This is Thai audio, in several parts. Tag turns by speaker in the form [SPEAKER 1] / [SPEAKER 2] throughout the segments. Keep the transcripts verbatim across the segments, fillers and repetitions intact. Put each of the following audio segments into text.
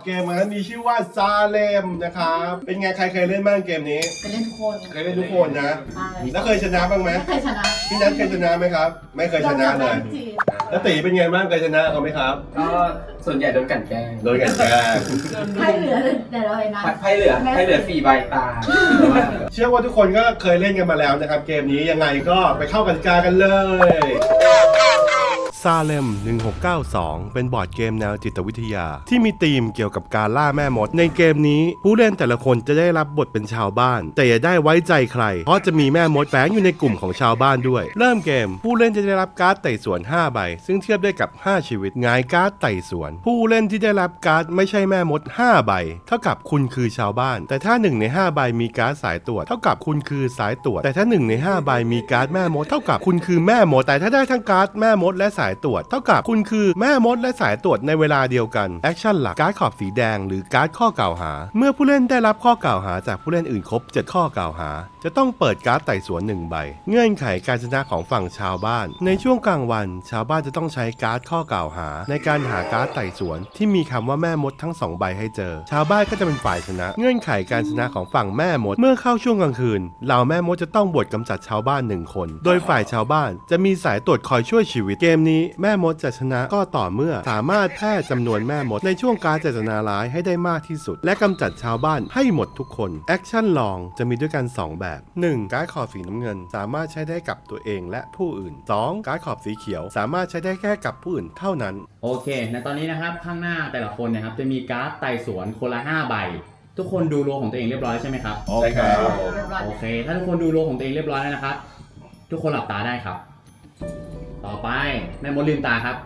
[SPEAKER 1] เกมนั้นมีชื่อว่าซาเลมนะครับเป็นไงใครเคยเล่นบ้างเกมนี้
[SPEAKER 2] เคยเล่นทุกคน
[SPEAKER 1] เคยเล่นทุกคนนะแล้วเคยชนะบ้างไหม
[SPEAKER 2] ไม่เคยชนะ
[SPEAKER 1] พี่นัทเคยชนะไหมครับไม่เคยชนะเลยแล้วตีเป็นไงบ้างเคยชนะเขาไหมครับ
[SPEAKER 3] ก็ส่วนใหญ่โดนกันแกล้ง
[SPEAKER 1] โดยกันแกล้ง
[SPEAKER 2] ไพ่เหลือแต่เราไอ้นั้น
[SPEAKER 3] ไพ่เหลือไพ่เหลือสี่ใบตา
[SPEAKER 1] เชื่อว่าทุกคนก็เคยเล่นกันมาแล้วนะครับเกมนี้ยังไงก็ไปเข้ากติกากันเลยซาเลมหนึ่งหกเก้าสองเป็นบอร์ดเกมแนวจิตวิทยาที่มีธีมเกี่ยวกับการล่าแม่มดในเกมนี้ผู้เล่นแต่ละคนจะได้รับบทเป็นชาวบ้านแต่อย่าได้ไว้ใจใครเพราะจะมีแม่มดแฝงอยู่ในกลุ่มของชาวบ้านด้วยเริ่มเกมผู้เล่นจะได้รับการ์ดไต่สวนห้าใบซึ่งเทียบได้กับห้าชีวิตหงายการ์ดไต่สวนผู้เล่นที่ได้รับการ์ดไม่ใช่แม่มดห้าใบเท่ากับคุณคือชาวบ้านแต่ถ้าหนึ่งในห้าใบมีการ์ดสายตรวจเท่ากับคุณคือสายตรวจแต่ถ้าหนึ่งในห้าใบมีการ์ดแม่มดเท่ากับคุณคือแม่มดแต่ถ้าได้ทั้งการ์ดแม่มดและสายตรวจเท่ากับคุณคือแม่มดและสายตรวจในเวลาเดียวกันแอคชั่นหลักการ์ดขอบสีแดงหรือการ์ดข้อกล่าวหาเมื่อผู้เล่นได้รับข้อกล่าวหาจากผู้เล่นอื่นครบเจ็ดข้อกล่าวหาจะต้องเปิดการ์ดไต่สวนหนึ่งใบเงื่อนไขการชนะของฝั่งชาวบ้านในช่วงกลางวันชาวบ้านจะต้องใช้การ์ดข้อกล่าวหาในการหาการ์ดไต่สวนที่มีคำว่าแม่มดทั้งสองใบให้เจอชาวบ้านก็จะเป็นฝ่ายชนะเงื่อนไขการชนะของฝั่งแม่มดเมื่อเข้าช่วงกลางคืนเหล่าแม่มดจะต้องบวชกำจัดชาวบ้านหนึ่งคนโดยฝ่ายชาวบ้านจะมีสายตรวจคอยช่วยชีวิตเกมนี้แม่มดจะชนะก็ต่อเมื่อสามารถแพร่จำนวนแม่มดในช่วงการเจตนาร้ายให้ได้มากที่สุดและกำจัดชาวบ้านให้หมดทุกคนแอคชั่นลองจะมีด้วยกันสองแบบหนึ่งการ์ดขอบสีน้ำเงินสามารถใช้ได้กับตัวเองและผู้อื่นสองการ์ดขอบสีเขียวสามารถใช้ได้แค่กับผู้อื่นเท่านั้น
[SPEAKER 4] โอเคในตอนนี้นะครับข้างหน้าแต่ละคนนะครับจะมีการ์ดไต่สวนคนละห้าใบทุกคนดูโลของตัวเองเรียบร้อยใช่ไหมครับ
[SPEAKER 1] ใช่ครับ
[SPEAKER 4] โอเคถ้าทุกคนดูโลของตัวเองเรียบร้อยแล้วนะครับทุกคนหลับตาได้ครับต่อไปแม่มดลืมตาครับ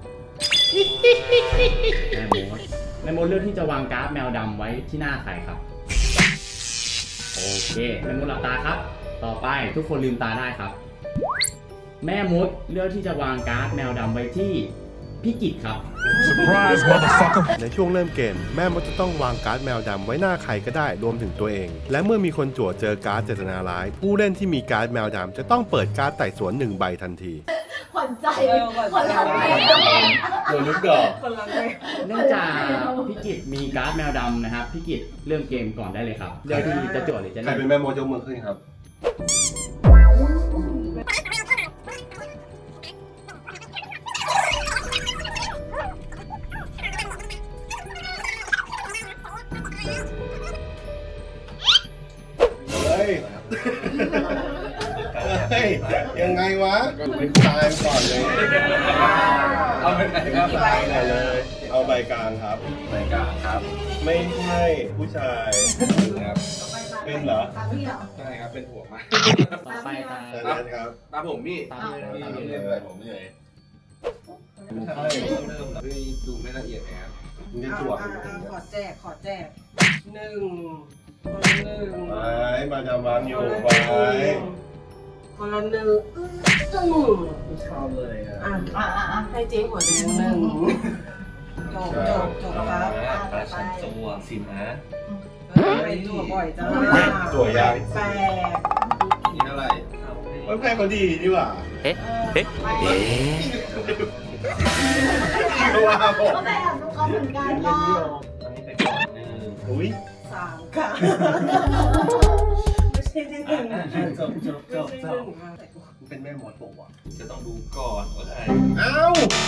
[SPEAKER 4] แม่มดแม่มดเลือกที่จะวางการ์ดแมวดำไว้ที่หน้าใครครับโอเคแม่มดหลับตาครับต่อไปทุกคนลืมตาได้ครับแม่มดเลือกที่จะวางการ์ดแมวดำไว้ที่พี่กิจครับ
[SPEAKER 5] Surprise, motherfucker!
[SPEAKER 1] ในช่วงเริ่มเกมแม่มดจะต้องวางการ์ดแมวดำไว้หน้าใครก็ได้รวมถึงตัวเองและเมื่อมีคนจั่วเจอการ์ดเจตนาร้ายผู้เล่นที่มีการ์ดแมวดำจะต้องเปิดการ์ดไต่สวนหนึ่งใบทันที
[SPEAKER 2] ผ่อนใจผ่อนใจ
[SPEAKER 1] โดนลูกดอก
[SPEAKER 4] เนื่องจากพี่กิจมีการ์ดแมวดำนะครับพี่กิจเริ่มเกมก่อนได้เลยครับเลือกที่จะจั่วหรือจะ
[SPEAKER 1] ใคร
[SPEAKER 4] เล่น
[SPEAKER 1] เป็นแม่มดยกมือขึ้นครับเฮ้ยเฮ้ยยังไงวะตายก่อนเลย
[SPEAKER 3] เอาไปไหนครับ
[SPEAKER 1] ไปเลย เอาใบกลางครับ
[SPEAKER 3] ใบกลางครับ
[SPEAKER 1] ไม่ใช่ผู้ชาย
[SPEAKER 3] ครับ
[SPEAKER 1] เป็นเหรอ
[SPEAKER 2] ตามพี่เหรอ
[SPEAKER 3] ใช่ครับเป็นหัวมา
[SPEAKER 4] ต่อไปตาม
[SPEAKER 1] แต่นั้นครับ
[SPEAKER 3] ตามผมพี่
[SPEAKER 4] ตามเลย
[SPEAKER 3] ตาม
[SPEAKER 4] ตาม
[SPEAKER 3] พี่
[SPEAKER 4] เล
[SPEAKER 3] เล่
[SPEAKER 4] ย
[SPEAKER 3] นไปผมเลยพี่ดูไม่ละเอียดนะครับ
[SPEAKER 1] มึงจะจั่ว
[SPEAKER 6] อ่าอ่าขอแจก ขอแจกหนึ่งคนละหนึ่ง
[SPEAKER 1] ไม้มาจะวางอยู่
[SPEAKER 6] คนละ
[SPEAKER 1] ไว้
[SPEAKER 6] หนึ่งคนละหนึ่งอื้อ
[SPEAKER 3] ชอบเลยอ่ะ
[SPEAKER 6] อ่ะ
[SPEAKER 2] อ่าอ่าอ่า
[SPEAKER 6] ให้เจ๊หัวแดงหนึ่งจบจบจบครับ
[SPEAKER 3] ปลาชันตัวสินะ
[SPEAKER 6] ไปตัวบ่อยจัง
[SPEAKER 1] จั่วยาง
[SPEAKER 6] แปด
[SPEAKER 3] กินอะไร
[SPEAKER 1] เฮ้ยแพ้เขาดีดีว่ะ
[SPEAKER 2] เอ๊ะเอ๊ะเอ๊ะ
[SPEAKER 1] ว่าผม
[SPEAKER 2] ก็ไปอ่านลูกเขาเหมือนกันก็
[SPEAKER 3] อันนี้ไปก่อนหนึ่ง
[SPEAKER 1] อุ้ย
[SPEAKER 6] สามค่ะไม่ใช่ที่หนึ่ง
[SPEAKER 3] จบจบจบ
[SPEAKER 6] ไม่
[SPEAKER 3] จ
[SPEAKER 6] ใช่ห
[SPEAKER 3] บ
[SPEAKER 6] นึ่งค่ะ
[SPEAKER 1] เป็นแม่มดปะวะ
[SPEAKER 3] จะต้องดูก่อนว่าใคร
[SPEAKER 1] เอ้า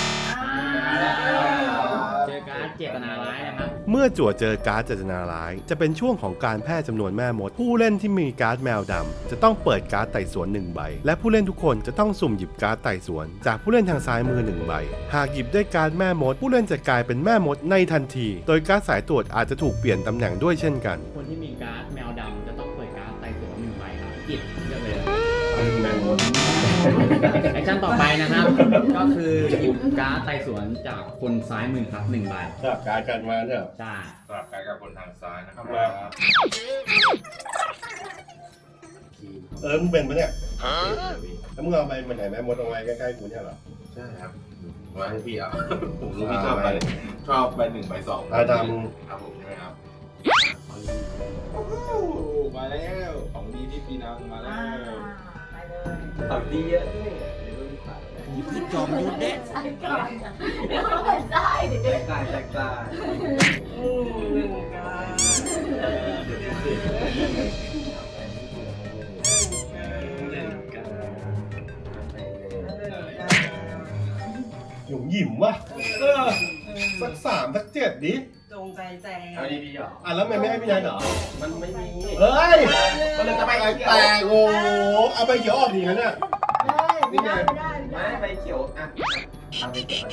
[SPEAKER 4] เจอการ์ดเจตนาร้ายนะครับ
[SPEAKER 1] เมื่อจั่วเจอการ์ดเจตนาร้าย จะเป็นช่วงของการแพร่จำนวนแม่มด ผู้เล่นที่มีการ์ดแมวดำจะต้องเปิดการ์ดไต่สวนหนึ่งใบและผู้เล่นทุกคนจะต้องสุ่มหยิบการ์ดไต่สวนจากผู้เล่นทางซ้ายมือหนึ่งใบหากหยิบได้การ์ดแม่มด ผู้เล่นจะกลายเป็นแม่มดในทันที โดยการ์ดสายตรวจอาจจะถูกเปลี่ยนตำแหน่งด้วยเช่นกัน
[SPEAKER 4] คนที่มีการ์ดแมวดำจะต้องเปิดการ์ดไต่สวนหนึ่งใบครับกิจเลือกเลย
[SPEAKER 1] แม่มด
[SPEAKER 4] แอคชั่นต่อไปนะครับ ก็คือหยิบการ์ดไต่สวนจากคนซ้ายมือครับหนึ่งใบ
[SPEAKER 1] สลับการ์ดกันมาเถอะ
[SPEAKER 4] ใช่
[SPEAKER 3] สลับกันกับคนทางซ้ายนะครับ
[SPEAKER 1] เออมึงเป็นปะเนี่ยแล้วมึงเอาไปมันไหนแม่มดเอาไว้ใกล้ๆกูเนี่ยเหรอ
[SPEAKER 3] ใช่ครับมาให้พี่อ่ะผมรู้พี่ชอบไปชอบไปหนึ่งไปสอง
[SPEAKER 1] อาด
[SPEAKER 3] ครับผมใช่ไหมครับมาแล้วของดีที่ปีนังมาแล้
[SPEAKER 2] อ่าว ไปเลย
[SPEAKER 3] ของดีเยอะด้วย
[SPEAKER 1] ำ
[SPEAKER 2] จอมยุทธเด็ดใช่ก่อนเดี๋ยวเราเป็นได้เดี๋ยว
[SPEAKER 3] แตกต่างแตกต่าง
[SPEAKER 6] อืมหนึ่งกาหนึ่งกา
[SPEAKER 1] หยุ่มหยิมวะเออสักสามสักเจ็ดดิ
[SPEAKER 6] จงใจแจก
[SPEAKER 3] เอาดีๆเหรอ
[SPEAKER 1] อ่ะแล้วทำไมไม่ให้พี่นายเหรอ
[SPEAKER 3] มันไม่มี
[SPEAKER 1] เฮ้ย
[SPEAKER 3] มันเลยจะไป
[SPEAKER 1] แต
[SPEAKER 3] เขียว
[SPEAKER 1] กโอ้โหเอาไปเขียวออกดีงั้นน่ะ
[SPEAKER 2] ไม่ได้ไม่ได้ไม่
[SPEAKER 3] ไม่
[SPEAKER 2] ได้
[SPEAKER 3] ไปเขียวอ่ะเอาไปเขียว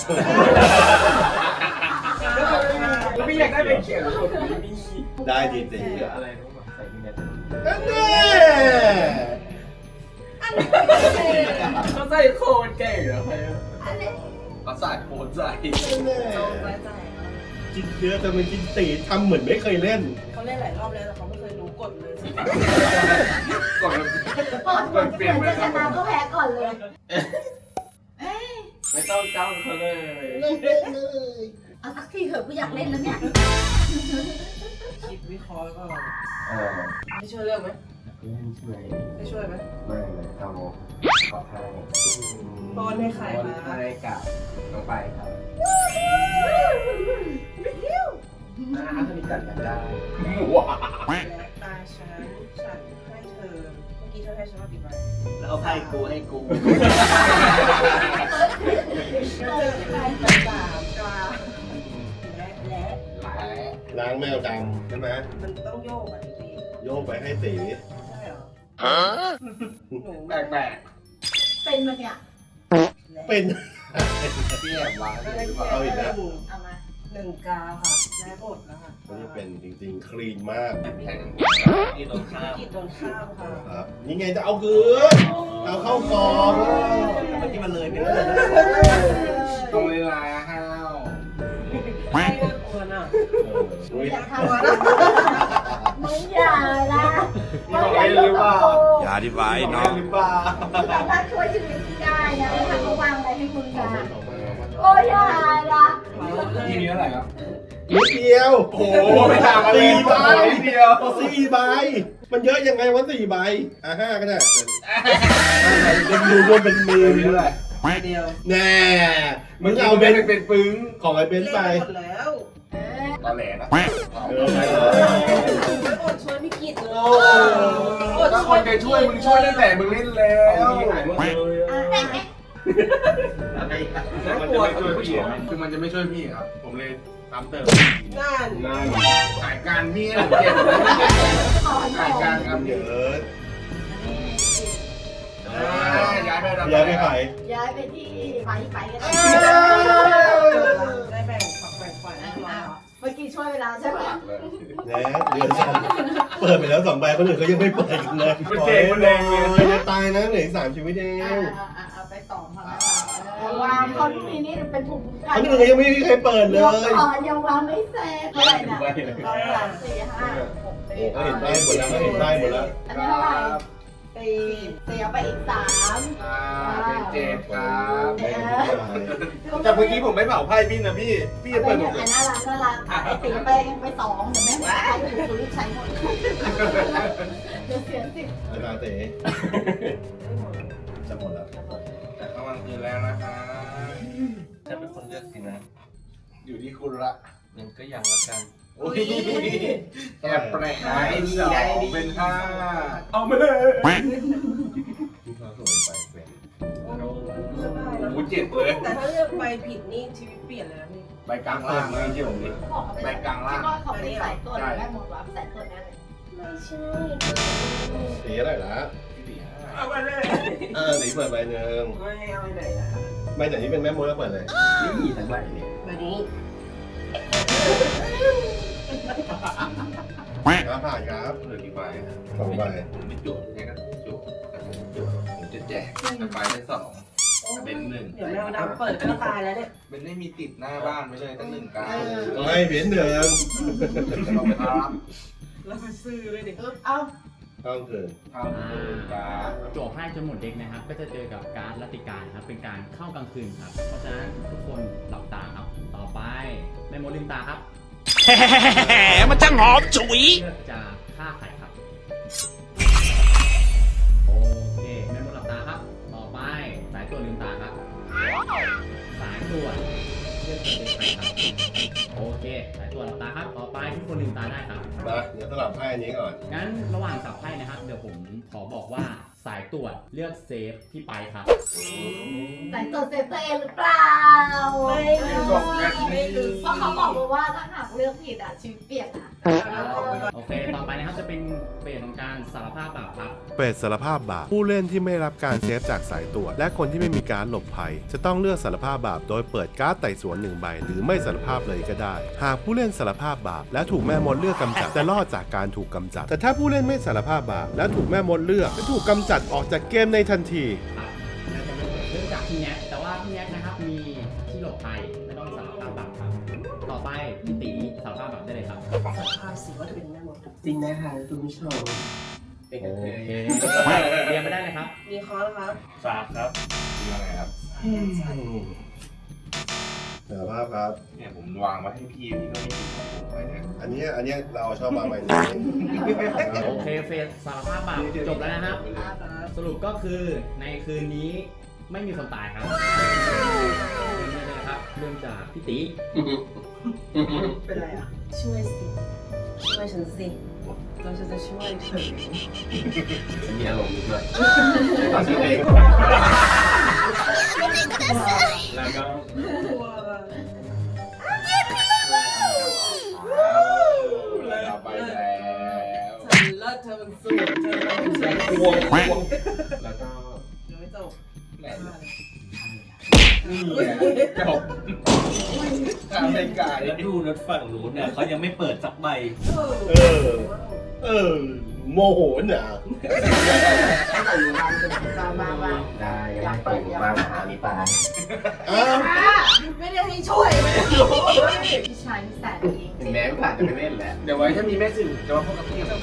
[SPEAKER 3] แล้วพี่อยากได้ไปเขียวไม่มี
[SPEAKER 1] ได้ดีตี
[SPEAKER 3] เขียวอะไรรู้ป่ะใส่ที่เน็ต
[SPEAKER 1] นั่นแน่
[SPEAKER 3] เขาใส่โคตรเก่งเหรอใคร
[SPEAKER 2] อันนี้
[SPEAKER 3] เขาใส่โคตรใส่
[SPEAKER 1] นั่นแน่
[SPEAKER 6] จงใจแจก
[SPEAKER 1] กินเยอะแต่มันกินตีทำเหมือนไม่เคยเล่น
[SPEAKER 6] เขาเล่นหลายรอบแล้วแต่เขาไม่เคยรู้กฎเลยสิ
[SPEAKER 3] ก่อน
[SPEAKER 2] ก่อนก่อนจะเป็นจะชนะก็แพ้ก่อนเลยเอ้ย
[SPEAKER 3] ไม่ต้องจ้างเขาเลย
[SPEAKER 2] เล่นเลยเลยเอาสักทีเถอะกูอยากเล่นแล้วเนี่ย
[SPEAKER 6] คิดวิเคราะห์ก่อน
[SPEAKER 3] เออ
[SPEAKER 6] ได้ช่วยเลือกไหม
[SPEAKER 3] เล่นช่วย
[SPEAKER 6] ได้ช่วยไหม
[SPEAKER 3] ไม่เลยเอาขอให้
[SPEAKER 6] บอลให้ใคร
[SPEAKER 3] บอล
[SPEAKER 6] คะ
[SPEAKER 3] ให้กับน้องไปครับอ่าถ้ามีกันกันได้ว้า
[SPEAKER 6] และตาฉันฉันให้เธอเมื่อกี้เธอให้ฉันมากี่ใบ
[SPEAKER 3] แล้วเอาให้กูให้กู
[SPEAKER 6] เจอใครไปสามกลางและและ
[SPEAKER 3] หลาย
[SPEAKER 1] ล้างแมวดำใช่ไหม
[SPEAKER 6] มันต้องโยกอ่ะพี่
[SPEAKER 1] โยกไปให้ตี
[SPEAKER 6] ใช่เหรอหนู
[SPEAKER 3] แปลกแปลก
[SPEAKER 2] เป็นมันเนี่ย
[SPEAKER 1] เป็น
[SPEAKER 3] พี่แอบวางหรือเปล่า
[SPEAKER 1] เอาอีกแล้ว
[SPEAKER 2] เอามา
[SPEAKER 6] หนึ่งกาค่ะและหมดแล้วค่ะ
[SPEAKER 1] มันจะเป็นจริงๆ คลีนมาก
[SPEAKER 3] แข่งที่ตรงข้าม
[SPEAKER 6] กิดโดนข้ามค่ะ
[SPEAKER 1] ครับนี่ไงจะเอาคืนเอาเข้ากอง
[SPEAKER 3] เมื่อกี้มันเลยไปเลยตรงเวลาห้าว
[SPEAKER 6] ไม่น่ากลัวน่ะ
[SPEAKER 1] อุ้ย
[SPEAKER 2] อยากทำนะมึงอย่านะมึงอย่าลุกกับกู
[SPEAKER 5] อย่าดีไว้
[SPEAKER 3] น้
[SPEAKER 5] น้
[SPEAKER 3] อ
[SPEAKER 5] อง ง
[SPEAKER 3] หรือเปล่า
[SPEAKER 2] สามารถช่วยชีวิตพี่ได้นะถ้าเขาวางอะไรให้มึงนะโอ้ยอย่านะ
[SPEAKER 3] ทีนี้เท่าไหร่ครับ
[SPEAKER 1] นิดเดียว
[SPEAKER 3] โอ้โหไม่ต่างกันเลย
[SPEAKER 1] สี่ใบ
[SPEAKER 3] นิดเดียว
[SPEAKER 1] สี่ใบ มันเยอะยังไงวะสี่ใบ อ่ะห้าก็ได้เป็นดูรวมเป็นหมื่น
[SPEAKER 3] เท่าไหร่
[SPEAKER 6] ใบเดียว
[SPEAKER 1] แน่มึ
[SPEAKER 3] มึ
[SPEAKER 1] ง
[SPEAKER 3] ง
[SPEAKER 1] เอา
[SPEAKER 3] เอา
[SPEAKER 1] เบ
[SPEAKER 3] เป็น
[SPEAKER 1] น
[SPEAKER 3] เป็นปึ้ง
[SPEAKER 1] ของไอ้เบนซ์ไป
[SPEAKER 6] เล่นหมดแล้ว
[SPEAKER 2] เออ
[SPEAKER 3] ตอแหลนะ
[SPEAKER 1] เออไปเลย
[SPEAKER 6] ไม่อดช่วยพี่กิจเลย
[SPEAKER 3] โอ้ถ้าคนจะช่วยมึงช่วยตั้งแต่มึงเล่นแล้วหายหมดเลย
[SPEAKER 2] อ่ะ
[SPEAKER 3] น่ากลัวช่วยพี่คือมันจะไม่ช่วยพี่ครับ ผมเลยตามเติม
[SPEAKER 6] นั่น
[SPEAKER 1] นั่น
[SPEAKER 3] ขายการพี่ให้ผมเก็บ
[SPEAKER 2] ถอน
[SPEAKER 3] ขายการครับ
[SPEAKER 1] เยอะ
[SPEAKER 3] ย้ายไป
[SPEAKER 1] ย้ายไปขาย
[SPEAKER 2] ย้ายไปที่ไปไปกัน
[SPEAKER 6] ได้แบ่งฝักแบ่งฝ่ายให้เรา
[SPEAKER 2] เมื่อกี้ช่วยเวลาใช่ไหม
[SPEAKER 1] แหน่เดือนสองเปิดไปแล้วสองใบคนอื่นเขายังไม่เปิดกันเลย
[SPEAKER 3] มันเก่งมันแรงเลย
[SPEAKER 1] จะตายนะเหลืออีกสามชีวิตเอง
[SPEAKER 2] เอาไปสองพอแล้ววางคนมีนี่เป็นภูมิคุ้มกัน
[SPEAKER 1] คนอื่นยังไม่มีใครเปิดเลย
[SPEAKER 2] อ๋อยังวางไม่เสร็จเท่าไหร่นะสองสามสี่ห้าหก
[SPEAKER 1] โอ้เขาเห็นได้หมดแล้วเขาเห็นได้หมดแล้ว
[SPEAKER 2] อันนี้เท่าไหร่สี่เสียไปอีกสาม
[SPEAKER 3] อ่าเป็นเจ็ดครับ
[SPEAKER 1] ไม่ได้
[SPEAKER 3] แต่เมื่อกี้ผมไม่เผาไพ่พี่นะพี่ พี่
[SPEAKER 2] เป็
[SPEAKER 3] เปิ
[SPEAKER 2] น
[SPEAKER 3] ดหม
[SPEAKER 2] อย่า
[SPEAKER 3] ด
[SPEAKER 2] ง
[SPEAKER 3] เลย
[SPEAKER 2] น่ารักน่ารักไอตีไปไปสองเดี๋ยวแม่หมดใครถูกคุณรีบใช้หมดเดี๋ยวเสียสิบ
[SPEAKER 1] อาจารย์เต๋จะหมดแล้ว
[SPEAKER 3] แต่กำลังคืนแล้วนะคะจะเป็นคนเลือกสินะ อยู่ที่คุณละยังก็ยังละกันโอ้ยแอบแปลกได้ดีได้ดีเป็นห้าเอามาเลย
[SPEAKER 1] พี่ฟ้าสวยไปเป็น
[SPEAKER 3] โอ้โหเจ็ดเลย
[SPEAKER 6] แต่ถ้าเลือกใบผิดนี่ชีวิตเปลี่ยนเลยนะพี่
[SPEAKER 3] ใบกลางล่างเลยที่ผมนี่
[SPEAKER 2] บอกเขาไปคิดว่าเขาไปใส่ตัวแม่หมดว่าใส่ตัวนั้นเลย
[SPEAKER 6] ไม่ใช่
[SPEAKER 1] สีอะไรล่ะ
[SPEAKER 3] สี่ห้า
[SPEAKER 6] เอาไปเลย
[SPEAKER 1] เออสีเปิดใบหนึ่ง
[SPEAKER 6] ไม่เอาไปไหนนะ
[SPEAKER 1] ใบไหนที่เป็นแม่มดก็เปิดเลย
[SPEAKER 3] นี่มีทั้งใบเลย
[SPEAKER 6] ใบนี้
[SPEAKER 1] ครับผ่านครับ
[SPEAKER 3] เหลือกี่ใบ
[SPEAKER 1] สองใบ
[SPEAKER 3] ผมไม่จุดแค่ก็จุดแต่ผมจุดผมจะแจกแต่ใบได้สองเป็นหนึ่ง
[SPEAKER 6] เดี๋ยวแมวดำเปิดก็ตายแล้วเนี่ย
[SPEAKER 3] เป็นไม่มีติดหน้าบ้านไว้เลยตั้งหนึ่งการ
[SPEAKER 1] ไม่เปลี่ยนหนึ่ง
[SPEAKER 3] เราไปรับ
[SPEAKER 6] แล้วไปซื้อเลยดิ
[SPEAKER 2] เอา
[SPEAKER 1] ต้องคืน
[SPEAKER 3] ทำหนึ่งการ
[SPEAKER 4] โจทย์ให้จนหมดเด็กนะครับ ก็จะเจอกับการดรัติการครับ เป็นการเข้ากลางคืนครับ เพราะฉะนั้นทุกคนหลับตาครับ ต่อไปแม่มดลืมตาครับ
[SPEAKER 5] มันจะหอมฉุย
[SPEAKER 4] เลือกจะฆ่าใครครับ โอเคแม่มดหลับตาครับ ต่อไปสายตัวลืมตาครับโอเคสายตรวจหลับตาครับ ต่อไปทุกคนลืมตาได้ครับ
[SPEAKER 1] มาเดี๋ยวสลับไพ่อันนี้ก่อน
[SPEAKER 4] งั้นระหว่างสับไพ่นะครับ เดี๋ยวผมขอบอกว่าสายตรวจเลือกเซฟพี่ไปครับ
[SPEAKER 2] ใส่ตัวเซฟตัวเองหรือเปล่า
[SPEAKER 6] ไม่ลืมไม่ลืม
[SPEAKER 2] เพราะเขาบอกมาว่าถ้าหากเลือกผิดอ่ะชีวิตเปลี่ยนนะ
[SPEAKER 4] โอเค ต่อไปนะครับจะเป็นเฟสของการสารภาพบาปครับ
[SPEAKER 1] เปิดสารภาพบาปผู้เล่นที่ไม่รับการเซฟจากสายตรวจและคนที่ไม่มีการหลบภัย จะต้องเลือกสารภาพบาปโดยเปิดการ์ดไต่สวนหนึ่งใบหรือไม่สารภาพเลยก็ได้ หากผู้เล่นสารภาพบาปและถูกแม่มดเลือกกำจัดจะรอดจากการถูกกำจัด แต่ถ้าผู้เล่นไม่สารภาพบาปและถูกแม่มดเลือกจะถูกกำจัดออกจากเกมในทันที
[SPEAKER 4] ครับเริ่มจากพี่แน็กแต่ว่าพี่แน็กนะครับมีที่หลบภัยไม่ต้องสารภาพบาปครับ ต่อไปพี่ตีสารภาพบาปได้เลยครับ
[SPEAKER 6] สารภาพสิว่าจะเป็นแม่มดจริงนะคะคุณผู้ชมเป็น
[SPEAKER 4] โอ
[SPEAKER 6] กันเลย
[SPEAKER 4] เคเรียนไม่ได้เลยครับ
[SPEAKER 6] มีคอร์สครับ
[SPEAKER 3] สามครับมีอะไรครับ
[SPEAKER 1] สารภาพครับ
[SPEAKER 3] เนี่ยผมวางไว้ให้พี่พี่ก็ไม่ติดของผมไว้เนี่ย
[SPEAKER 1] อันนี้อันนี้เราชอบมาใบนี้
[SPEAKER 4] โอเคเฟสสารภาพบาปจบแล้วนะครับ สรุปก็คือในคืนนี้ไม่มีคนตายครับนี่เลยนะครับเริ่มจากพี่ตี
[SPEAKER 6] เป็นไรอ่ะ ช่วยสิ ช่วยฉันสิเราจะจะช่วยเธอ
[SPEAKER 3] ฉันมีอารมณ์ด้วยตอนชื่อเองแล้วก็
[SPEAKER 6] ตัว
[SPEAKER 3] เราไปแล้ว
[SPEAKER 6] ฉันเลิศเธอมันสวยเธอมันสวย
[SPEAKER 3] ควงควงแล้วก็
[SPEAKER 6] ยังไม่จบ
[SPEAKER 3] แหละนี่ไงจบทำเป็นกาย
[SPEAKER 7] แล้วดูรถฝั่งนู้นเนี่ยเขายังไม่เปิดสักใบ
[SPEAKER 1] เออ เออ โมโหน่ะ
[SPEAKER 6] มามามา
[SPEAKER 3] ได้ยังไม่เปิดมาหามีปลา
[SPEAKER 1] อ้าว
[SPEAKER 6] ไม่ได้ให้ช่วยไม่ได้ช่วย
[SPEAKER 2] พี่ชายนี่แสนดี
[SPEAKER 3] ถึงแม้ผ่านจะไม่เล่นแล้ว เดี๋ยวไว้ถ้ามีแม่สื่อจะมาพบกับพี่ครับ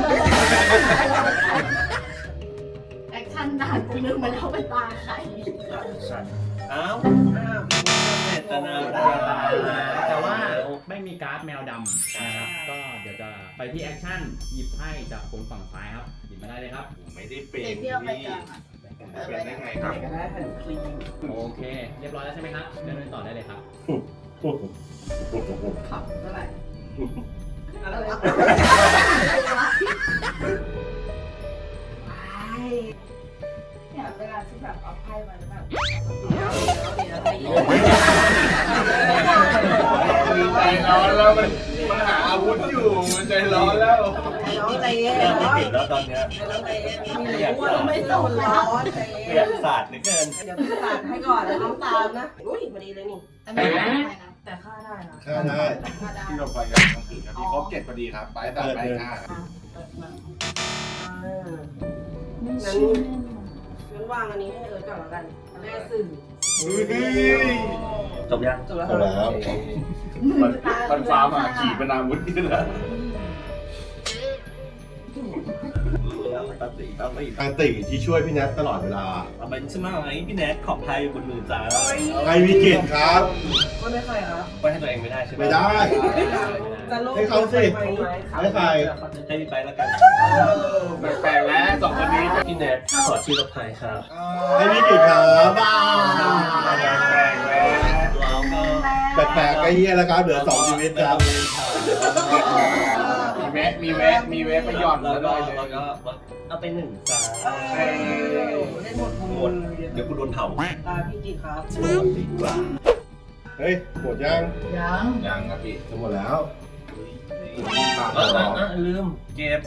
[SPEAKER 2] แอคชั่นนานกูนึกมาแล้วเป็นตาใคร
[SPEAKER 7] เอ้าเจตนา
[SPEAKER 4] แต่ว่าไม่มีการ์ดแมวดำนะครับ ก็เดี๋ยวจะไปที่แอคชั่นหยิบไพ่จากคนฝั่งซ้ายครับ หยิบมาได้เลยครับ
[SPEAKER 7] ผมไม่ได้เป็น
[SPEAKER 2] เด็กที่เราไปกันอะ
[SPEAKER 3] เป็นได้ไงครับ
[SPEAKER 6] ก็ได้หันคลีน
[SPEAKER 4] โอเค เรียบร้อยแล้วใช่ไหมครับเดินต่อได้เลยครับ
[SPEAKER 6] ขับเท่าไหร่อะไรวะ
[SPEAKER 2] เนี่ยเวลาที่แบบเอาไพ่มาแล้วแบบ
[SPEAKER 3] มีใจร้อนแล้วมันมันหาอาวุธอยู่มันใจร้อนแล้ว
[SPEAKER 6] น้องใจเย็น
[SPEAKER 7] ไม่
[SPEAKER 6] น้อง
[SPEAKER 7] ติดแล้วตอนเนี้ย
[SPEAKER 6] น้องใจเย็นไม่รู้ว่าไม่ส่งร้อนใจเย็
[SPEAKER 7] เรีย
[SPEAKER 6] น
[SPEAKER 7] กศาสตร์เหลือเกิน
[SPEAKER 6] เดี๋ยวพี่ตัดให้ก่อนแล้วน้องตามนะ อุ้ยพอดีเลยนี่
[SPEAKER 2] อันนี้ไม่ได้นะ
[SPEAKER 6] แต่ค่าได้ค่ะ
[SPEAKER 1] ค่าได้
[SPEAKER 2] ถ้าได้
[SPEAKER 3] ที่เราไปกันทั้งคืนครับพี่ครบเจ็ดพอดีครับไปตัดไปห้า
[SPEAKER 2] เปิดมา
[SPEAKER 6] อ่า
[SPEAKER 2] ไม่
[SPEAKER 6] งั้น
[SPEAKER 2] เชื่อ
[SPEAKER 6] งั้นวางอันนี้ให้เอิร์ธก่อนแล้วกันแม่สื่อ
[SPEAKER 7] จบยัง
[SPEAKER 6] จบแล้ว
[SPEAKER 1] เอาแล้ว
[SPEAKER 3] มันมันฟ้ามาขี่เป็นอาวุธนี่แหละ
[SPEAKER 7] ตัดสีตัดสี
[SPEAKER 1] ทางติที่ช่วยพี่แนทตลอดเวลา
[SPEAKER 7] เอาไปใช่ไหมไอ้พี่แนทของไทยบนมือจ้า
[SPEAKER 1] ใครวิกฤตครับ
[SPEAKER 6] ก็ไม่ใครครับ
[SPEAKER 7] ไปให้ตัวเองไม่ได้ใช่ไหม
[SPEAKER 1] ไม่ได้
[SPEAKER 6] จะโลก
[SPEAKER 1] ให้เขาสิ
[SPEAKER 6] ไหม
[SPEAKER 1] ให้ใคร
[SPEAKER 7] ให้พี่ไปแล้วกัน
[SPEAKER 3] แปลกๆแล้วสองคนนี้
[SPEAKER 7] พี่แนทขอชื่อรถไทยครับ
[SPEAKER 1] ให้วิกฤตครับบ้า
[SPEAKER 3] แปลกๆแล้ว
[SPEAKER 7] เราก็
[SPEAKER 1] แปลกๆก็เฮียแล้วครับ เหลือสองชีวิตครับ
[SPEAKER 3] มีแวะมีแวะมีแวะไปหย่อน
[SPEAKER 7] แล้
[SPEAKER 3] แล้ว ว
[SPEAKER 7] ก็
[SPEAKER 3] ด้วยเลย
[SPEAKER 7] แล้วก็เอาไปหนึ่งจ้า
[SPEAKER 6] เออเล่นหมด
[SPEAKER 7] หมดเดี๋ยวกูโดนเผา
[SPEAKER 6] ตาพี่กิจครับ
[SPEAKER 7] ดีกว่า
[SPEAKER 1] เฮ้ย หมดยัง
[SPEAKER 2] ยัง
[SPEAKER 3] ยังครับพี่
[SPEAKER 1] จะหมดแล้ว
[SPEAKER 3] ปาก
[SPEAKER 7] เออ
[SPEAKER 3] หรอ
[SPEAKER 7] เออลืมเก็บ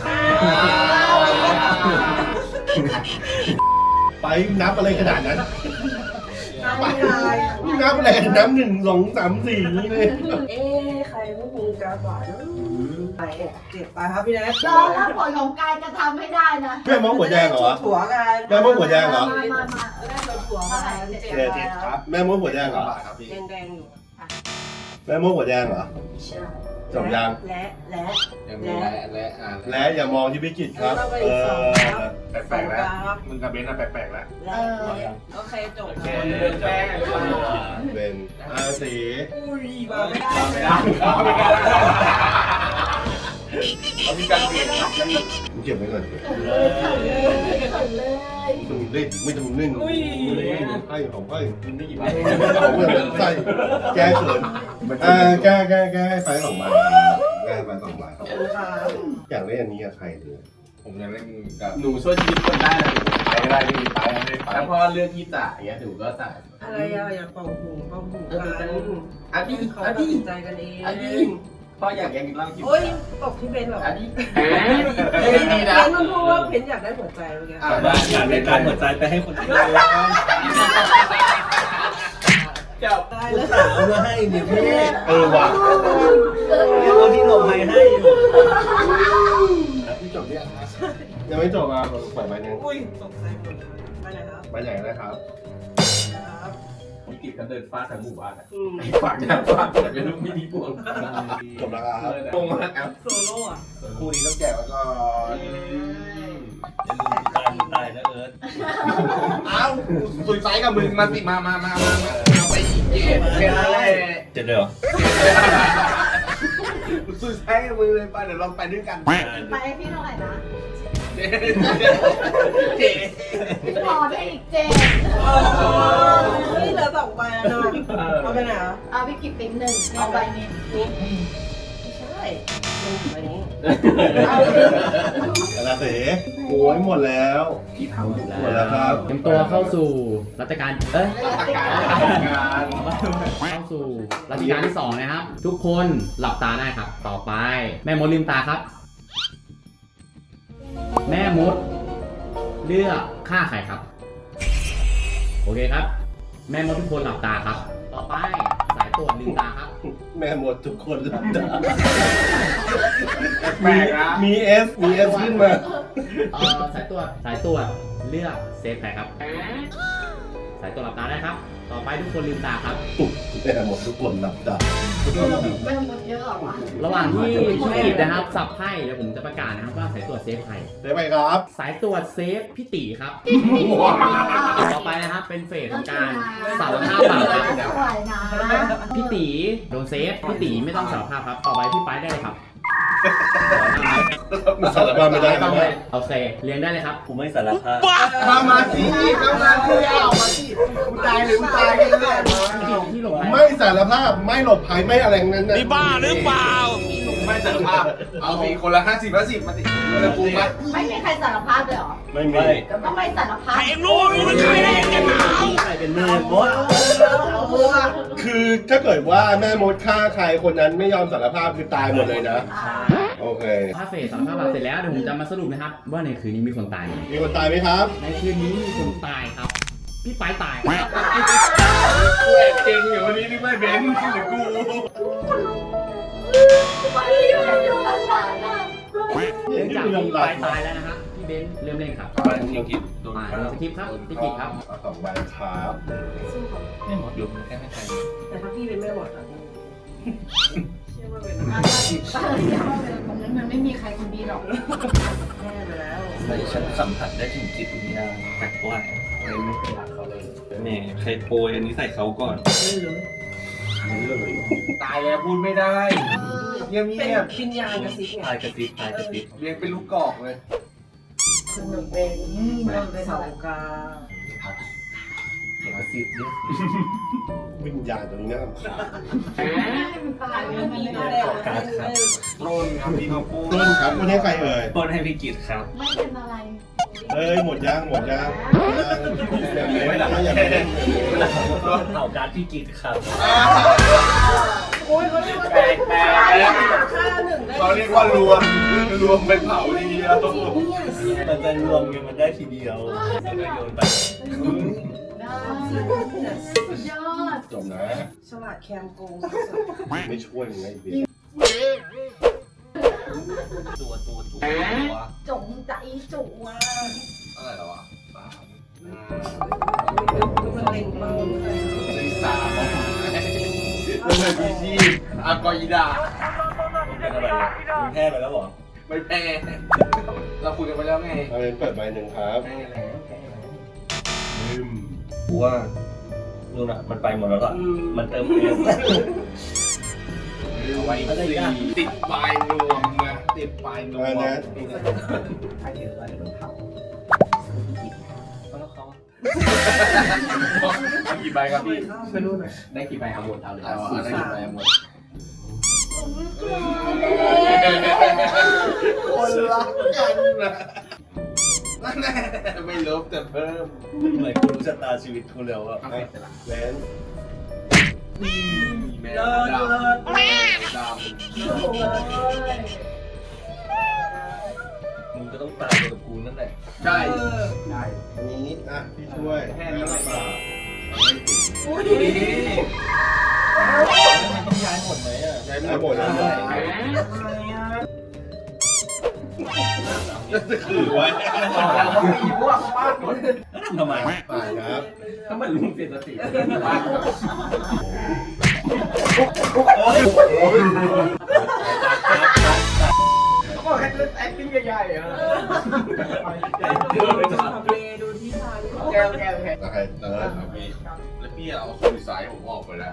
[SPEAKER 1] ไปนับอะไรขนาดนั้น
[SPEAKER 6] ตาพี่ลาย
[SPEAKER 1] นับอะไรกันนับหนึ่งสองสามสี่นี่เลย
[SPEAKER 6] เอ๊ะใครไม่มีการบาดเนอะไปเจ็บไปครับพี่แนท
[SPEAKER 2] รอรับผลของการกระทำให้ได้นะ
[SPEAKER 1] แม่มองหัวแดงเหรอ
[SPEAKER 6] ถั่วกัน
[SPEAKER 1] แม่มดหัวแดงเหรอ
[SPEAKER 2] มามามา
[SPEAKER 6] ได้ตัวถั่วมาเจ็บ
[SPEAKER 1] เจ็ดเจ็ดครับ แม่มดหัวแดงเหรอ
[SPEAKER 3] บาทครับพี่
[SPEAKER 6] แดงๆอยู่
[SPEAKER 1] แม่มดหัวแดงเหรอ
[SPEAKER 6] ใช่
[SPEAKER 1] จบยัง
[SPEAKER 6] และและ
[SPEAKER 3] ยังมีและและอ่า
[SPEAKER 1] และอย่ามองที่พิกิตครับ เออ
[SPEAKER 3] แปลกๆแล้วมึงกับเบนซ์อะแปลกๆแล้ว
[SPEAKER 6] และโอเคจบ
[SPEAKER 7] โอเคแป้ง
[SPEAKER 1] เป็นอาสี
[SPEAKER 6] อุ้ยมาไม่ได้
[SPEAKER 3] ไม่ได้ไม่ได้เอาพี่กันเปลี่ยน
[SPEAKER 1] มึงเก็บไว้ก่อน
[SPEAKER 2] เลยขันเลยขันเลย
[SPEAKER 1] ไม่ต้องเล่นไม่ต้องเล่นให้ของให้
[SPEAKER 7] กินได้กี่ใบ
[SPEAKER 1] ของเพื่อนใส่แก้เขินอ่าแก้แก้แก้ให้ไปสองใบแก้ไปสองใบ
[SPEAKER 6] ขอบคุณค่ะ
[SPEAKER 1] อยากเล่นอันนี้กับใครเลย
[SPEAKER 3] ผมจะเล่นกับ
[SPEAKER 4] หนูช่วยชีวิตคนได้นะ
[SPEAKER 3] ไปได้ไม่มีไปไม่ไป
[SPEAKER 4] ถ้าพ่อเลือกที่จ่ายอย่างเงี้ยหนูก็จ่าย
[SPEAKER 6] อะไรอะอย่าเป่าหูเป่าหูกัน
[SPEAKER 4] อันนี้
[SPEAKER 6] เขา
[SPEAKER 4] อัน
[SPEAKER 6] ตัด
[SPEAKER 4] นี้
[SPEAKER 6] สินใจกันเอง
[SPEAKER 4] อันนี้พ่ออยากแกงเหล้ากิน
[SPEAKER 6] โอ้ยตกที่เบนเหรอ
[SPEAKER 4] อันนี้
[SPEAKER 6] เบ
[SPEAKER 4] เฮ้ย
[SPEAKER 6] น
[SPEAKER 4] ดีนะ
[SPEAKER 6] มันพูดว่าเบนอยากได้หัวใจเมื่อกี้
[SPEAKER 3] อ่า
[SPEAKER 7] แต่ว่าอยากได้การหัวใจไปให้คนอื่น
[SPEAKER 4] เจ้า
[SPEAKER 6] ได้
[SPEAKER 7] คุ
[SPEAKER 6] แล้
[SPEAKER 7] ณ
[SPEAKER 6] ว
[SPEAKER 7] สาวมาให้เนี่ยพี่
[SPEAKER 1] เออว่ะ
[SPEAKER 7] เอาที่หลบภัยให้อยู่
[SPEAKER 3] พี่จบเนี่ยนะ
[SPEAKER 1] ยังไม่จบอ่ะปล่อยใบหนึ่ง
[SPEAKER 6] อุ้ยตกใจหมดเลยไปไหนครับ
[SPEAKER 1] ใบใหญ่นะครับ
[SPEAKER 6] ครับ
[SPEAKER 4] ผมกินกันเดินฟาดทั้งหมู่บ้านอะ
[SPEAKER 6] อืม
[SPEAKER 4] ฝากนะฝากแต่เป็นลูกไม่ดีพวง
[SPEAKER 1] จบแล้วครับ
[SPEAKER 4] ตรงมากครับ
[SPEAKER 6] โซโล่อะ
[SPEAKER 3] คู่นี้ต้องแกะไว้ก่อน
[SPEAKER 7] อย่าลืมตายตายนะเอิร์ธ
[SPEAKER 3] เอ้าสุดไซส์กับมึงมาสิมามามามาเอาไปอีกเกมแค่นั้นแหละ
[SPEAKER 7] จะเดี๋ยว
[SPEAKER 3] สุดไซส์กับมึงเลยไปเดี๋ยวเราไปด้วยกัน
[SPEAKER 2] ไปให้พี่เท่าไหร่นะ
[SPEAKER 3] เจ๊
[SPEAKER 2] พอได้อีกเจ็ด
[SPEAKER 6] นี่เหลือสองใบแล้วนะเอาไปไหนอ่ะ
[SPEAKER 2] เอาพี่กิบเป็นหนึ่งเอาใบนี้
[SPEAKER 6] นี่ไม่ใช่ลงใบนี้
[SPEAKER 1] กระเสโอ้ยหมดแล้ว
[SPEAKER 4] พี่ทำหมด
[SPEAKER 1] หมดแล้วครับ
[SPEAKER 4] เตรียมตัวเข้าสู่รัชกาลเอ้ย
[SPEAKER 3] การ
[SPEAKER 4] เข้าสู่รัชกาลที่สองนะครับ ทุกคนหลับตาได้ครับ ต่อไป แม่มดลืมตาครับ แม่มดเลือกฆ่าใครครับ โอเคครับ แม่มดทุกคนหลับตาครับ ต่อไปสายตรวจลืมตาครับ
[SPEAKER 1] แม่หมดทุกคนหลับตา
[SPEAKER 3] แปลกนะ
[SPEAKER 1] มีเอสมีเอสขึ้นมา
[SPEAKER 4] เอ่อสายตรวจสายตรวจเลือกเซฟใครครับ สายตรวจหลับตาได้ครับ ต่อไปทุกคนลืมตาครับ
[SPEAKER 1] แม่หมดทุกคนหลับตา
[SPEAKER 2] แม่หมดเยอะเหรอวะ
[SPEAKER 4] ระหว่างที่พี่กิจนะครับสับไพ่เดี๋ยวผมจะประกาศนะครับว่าสายตรวจเซฟใคร
[SPEAKER 1] ได้ไหมครับ
[SPEAKER 4] สายตรวจเซฟพี่ตีครับ ต่อไปนะครับเป็นเฟสของการสารภาพบาปครับ
[SPEAKER 2] สวยนะ
[SPEAKER 4] พี่ตีโดนเซฟพี่ตีไม่ต้องสารภาพครับ ต่อไปพี่ไปได้เลยครับ
[SPEAKER 1] สารภาพไม่ได้
[SPEAKER 4] ไม่ต้อง
[SPEAKER 1] นะ
[SPEAKER 4] เลยโอเคเรียงได้เลยครับ
[SPEAKER 7] กูไม่สารภาพ
[SPEAKER 3] มามาสิเข้ามาสิเอามาสิกูตายหรือกูตายกันแน่มา
[SPEAKER 4] ที่หลบ
[SPEAKER 1] ไม่สารภาพไม่หลบภัยไม่อะไรทั้งนั้นนะ
[SPEAKER 5] นี่บ้าหรือเปล่า
[SPEAKER 3] ไม่สารภาพเอาสิคนละห้าสิบห้าสิบมาสิจะกูมา
[SPEAKER 2] ไม่มีใครสารภาพเลยเหรอ
[SPEAKER 1] ไม่มี
[SPEAKER 7] ไม่
[SPEAKER 2] ก็ไม่สารภาพ
[SPEAKER 5] ใครรู้ว่ามันใครได้ยังไงหนาว
[SPEAKER 7] ใครเป็นแม่มด
[SPEAKER 6] เอามือมา
[SPEAKER 1] คือถ้าเกิดว่าแม่มดฆ่าใครคนนั้นไม่ยอมสารภาพคือตายหมดเลยนะ
[SPEAKER 2] อ่า
[SPEAKER 1] โอเค
[SPEAKER 4] ถ้าเฟสสารภาพบาปเสร็จแล้วเดี๋ยวผมจะมาสรุปนะครับ ว่าในคืนนี้มีคนตายไหม
[SPEAKER 1] มีคนตายไหมครับ
[SPEAKER 4] ในคืนนี้มีคนตายครับ พี่ไปตายครับ
[SPEAKER 3] กูแอบเก่งอยู่วันนี้นี่ไม่เบนที่หรือกู
[SPEAKER 2] ไม่อยู่ในดวงตาน่ะ
[SPEAKER 4] เนื่องจากพี่ไปตายแล้วนะครับพี่เบนซ์เริ่มเล่นครับ
[SPEAKER 3] อะไรที่คิดโดน
[SPEAKER 4] อ่า
[SPEAKER 3] ฆ่า
[SPEAKER 4] ดูสคริปต์ครับพี่กิจครับ
[SPEAKER 1] เอาสองใบครับ
[SPEAKER 3] ไม่หมดอยู่แค่ไม่ใคร
[SPEAKER 6] แต่ถ้าพี่เป็นแม่หมดอ่ะเชื่อว่าเป็น
[SPEAKER 2] อ่าตอนนี้มันมันไม่มีใครคนดีหรอก
[SPEAKER 6] แม่ไปแล้ว
[SPEAKER 7] ไม่ฉันสัมผัสได้ถึงจิตวิญญาณแปลกว่า
[SPEAKER 3] เลยไม่เคยรักเขาเลย
[SPEAKER 7] แหม่ใครโปรยอันนี้ใส่เขาก่อน
[SPEAKER 3] ตายแล้วพูดไม่ได้เงียบ
[SPEAKER 6] เป็น
[SPEAKER 3] เงียบ
[SPEAKER 6] วิญญาณกระซิบไง
[SPEAKER 7] ตายกระติบตายกระติบ
[SPEAKER 3] เรียงเป็นลูกกอกเลย
[SPEAKER 6] คุณหนึ่งเป็นเสากา
[SPEAKER 3] มาสิบเนี่ย
[SPEAKER 1] วิญญาณตัวนี้น่ารำคาญ
[SPEAKER 2] มันตายไปแล้วมันไม่
[SPEAKER 6] ไม่
[SPEAKER 2] ได้
[SPEAKER 6] ได้
[SPEAKER 3] โรนครับพี่เขาพูด
[SPEAKER 1] ต้นครับคนนี้ใครเอ่ย
[SPEAKER 7] ต้นให้พี่กิตครับ
[SPEAKER 2] ไม่เป็นอะไร
[SPEAKER 1] เอ้ยหมดยังหมดยังอย่างนี้ไม่ได้อย่างนี้
[SPEAKER 7] เผาการดพี่กิตครับ
[SPEAKER 6] โอ้ยเขาเรียกว่า
[SPEAKER 3] แปลกแปลก
[SPEAKER 6] ฆ่าหนึ่งได้
[SPEAKER 3] เขาเรียกว่ารวมรวมเป็นเผาทีเดียว
[SPEAKER 7] มันจะรวมกันมันได้ทีเดียวแล้วก็โยนไป
[SPEAKER 2] ได้สุดยอด
[SPEAKER 1] จบนะ
[SPEAKER 6] ฉลาดแคมโกง
[SPEAKER 1] ไม่ช่วยมึงไอ้เบีย
[SPEAKER 7] ตัวตัวตัวตัว
[SPEAKER 2] จงใจจุ๋ว
[SPEAKER 3] อะไรหรอวะสาม
[SPEAKER 6] คือมันเล็งปังเลย
[SPEAKER 3] สี่สามแล้วเลยพีชีอากอยิดา
[SPEAKER 7] เป็นอะไรอ่ะมึงแพ้ไปแล้วเหรอ
[SPEAKER 3] ไม่แพ้เราคุยกันไปแล้วไง
[SPEAKER 1] เอาเป็นเปิดใบหนึ่งครับ
[SPEAKER 3] แพ้แล้วแพ้แล้ว
[SPEAKER 1] ลืม
[SPEAKER 7] กูว่านู่นอ่ะมันไปหมดแล้วอ่ะมันเติมเอส
[SPEAKER 3] เอาไว้สี่ติดปลายรวมนะติดปลายนว
[SPEAKER 1] อัน
[SPEAKER 3] ม
[SPEAKER 1] นั้น
[SPEAKER 7] ใครเห็นอะไรมันเผา
[SPEAKER 3] แล้วเขาเอากี่ใบครับพี่
[SPEAKER 7] ไม่รู้หน่อย
[SPEAKER 4] ได้กี่ใบเอาหมดเอาเลย
[SPEAKER 3] เอาอะไรกี่ใบหมด
[SPEAKER 7] คนละ
[SPEAKER 3] นั่นแหละไม่ลบแต่เพิ่ม
[SPEAKER 7] เหมือนคุณรู้ชะตาชีวิตคุณแล้วอะ
[SPEAKER 3] เอาไปแต่ละ
[SPEAKER 1] แหวน
[SPEAKER 3] แม่ดำแม่ดำ
[SPEAKER 7] มึงก็ต้องตายกับกูนั่นแหละ
[SPEAKER 3] ใช่
[SPEAKER 1] ได้อันนี้อ่ะพี่ช่วย
[SPEAKER 3] แค่นี้ไม่
[SPEAKER 1] ป
[SPEAKER 3] ป
[SPEAKER 1] ลา
[SPEAKER 3] ลา
[SPEAKER 6] อุ้ย
[SPEAKER 7] มันต้องย้ายหมดไหมอ่ะ
[SPEAKER 3] ใช้
[SPEAKER 1] ได้หมดแล้ว
[SPEAKER 3] จะถือไว้มีพวกป้าหมด
[SPEAKER 7] ทำไม
[SPEAKER 1] ปลาครับ
[SPEAKER 4] ถ้ามันลุงเสียสติ
[SPEAKER 3] ก็แค่เล่น acting ใหญ่ๆอ่ะ
[SPEAKER 6] ทำเลดูที่ทาง
[SPEAKER 3] แก้วแก้วแก้ว
[SPEAKER 1] โอเคเติร์ด
[SPEAKER 3] แล้วพี่แล้วพี่เอาสุดสายผมออกไปแล้ว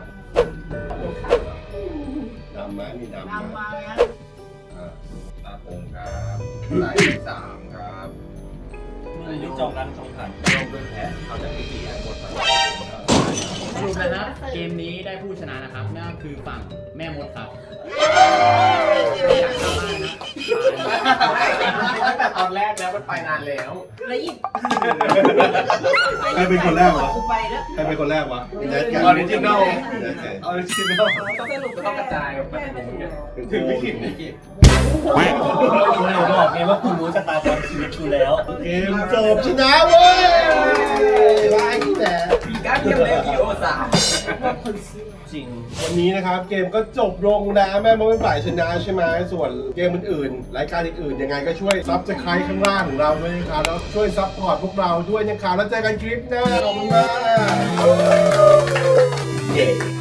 [SPEAKER 1] ดำไหมมีดำไหม
[SPEAKER 2] นำมาเนี่ย
[SPEAKER 3] อ่าตาผมครับสายที่สามครับ
[SPEAKER 7] มึงนี่จองร้านจองผ่าน
[SPEAKER 3] ลงด้วยแพ้เอาจากที่สี่ให้หมดไป
[SPEAKER 4] สรุปนะครับเกมนี้ได้ผู้ชนะนะครับนั่นก็คือฝั่งแม่มดครับอยากเข้าบ้านนะ
[SPEAKER 3] ตั้งแต่ตอนแรกแล้วมันไปนานแล้ว
[SPEAKER 6] แล้วอีก
[SPEAKER 1] ใครเป็นคนแรกวะ
[SPEAKER 6] กูไปแล้ว
[SPEAKER 1] ใครเป็นคนแรกวะแนทกัน
[SPEAKER 3] ออริจินอล
[SPEAKER 1] แนทกัน
[SPEAKER 3] ออริจินอล
[SPEAKER 6] สรุป
[SPEAKER 3] ต้องกระจายออกไป
[SPEAKER 6] แค่
[SPEAKER 3] ถึงไม่กินไม่กิน
[SPEAKER 7] คุณเลยบอกไงว่าคุณรู้ชะตากรรมชีวิตกูแล้ว
[SPEAKER 1] เกมจบชนะเว้ยไล่แต่
[SPEAKER 3] ปีก้าเทียมเลยกิโอสาม
[SPEAKER 7] จริง
[SPEAKER 1] วันนี้นะครับเกมก็จบลงแล้วแม่มดเป็นฝ่ายชนะใช่ไหมส่วนเกมอื่นๆรายการอื่นๆยังไงก็ช่วยซับสไครต์ข้างล่างของเราด้วยนะครับแล้วช่วยซัพพอร์ตพวกเราด้วยนะครับแล้วเจอกันคลิปหน้าขอบคุณมาก
[SPEAKER 7] เย้